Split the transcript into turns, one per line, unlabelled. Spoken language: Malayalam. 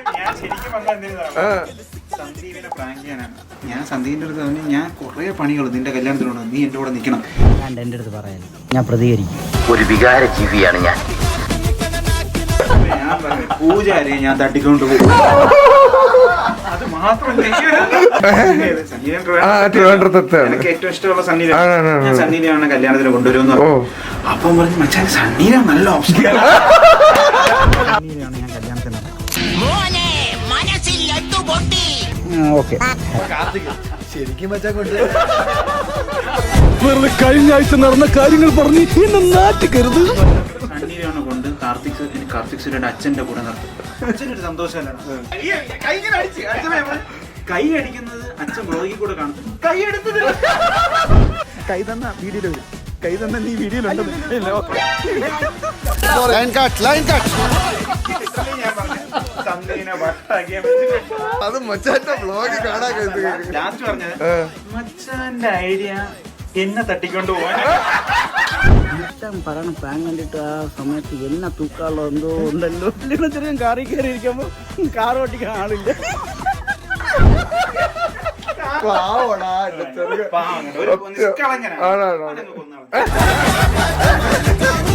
സന്ദീപിനെ പ്രാങ്ക് ചെയ്യാനാണ്. ഞാൻ സന്ദീപിന്റെ അടുത്ത് പറഞ്ഞു, ഞാൻ കുറെ പണികൾ നിന്റെ കല്യാണത്തിലുണ്ട്, നീ എന്റെ കൂടെ നിൽക്കണം.
എന്റെ അടുത്ത് പറയാൻ ഞാൻ പ്രതികരിക്കും.
ഒരു വികാര ജീവിയാണ് ഞാൻ.
ഞാൻ പറഞ്ഞു, പൂജാരിയെ ഞാൻ തട്ടിക്കൊണ്ട് പോകും. അത് മാത്രമല്ല, എനിക്ക് ഏറ്റവും ഇഷ്ടമുള്ള സണ്ണീരാണ്. ഞാൻ സണ്ണീരാണ് കല്യാണത്തിന് കൊണ്ടുവരുമെന്ന് പറഞ്ഞു. അപ്പം പറഞ്ഞു, മച്ചാൻ സണ്ണീര നല്ല ഓപ്ഷൻ. സണ്ണീരാണ് ഞാൻ കല്യാണത്തിന്.
ഓക്കെ
ശരിക്കും മച്ചാൻ കൊണ്ട്
വെറുതെ കഴിഞ്ഞ ആഴ്ച നടന്ന കാര്യങ്ങൾ പറഞ്ഞ് എന്നെ നാട്ടിക്കരുത്.
സണ്ണീരാണ് കൊണ്ട് കാർത്തിക് സുരയുടെ അച്ഛന്റെ കൂടെ നടത്തും. അച്ഛനൊരു സന്തോഷമല്ലാണ് കൈ അടിക്കുന്നത്. അച്ഛൻ ബ്ലോഗിൽ കൂടെ കാണും. കൈ എടുത്തത്
കൈ തന്ന വീഡിയോയിൽ വരും. കൈ തന്ന നീ വീഡിയോയിലുണ്ട്. അത് മച്ചാന്റെ ബ്ലോഗ് കാണാൻ
ലാസ്റ്റ് പറഞ്ഞത് മച്ചാന്റെ ഐഡിയ എന്നെ തട്ടിക്കൊണ്ട് പോവാൻ.
പറയണ പ്രാങ്ക് കണ്ടിട്ട് ആ സമയത്ത് എന്നെ തൂക്കാനുള്ള എന്തോ ഉണ്ടല്ലോ. ചെറിയ കാറിൽ കയറി ഇരിക്കുമ്പോ കാർ ഓട്ടിക്കാൻ ആളില്ല.
ഒരു നിഷ്കളങ്കനാണ്.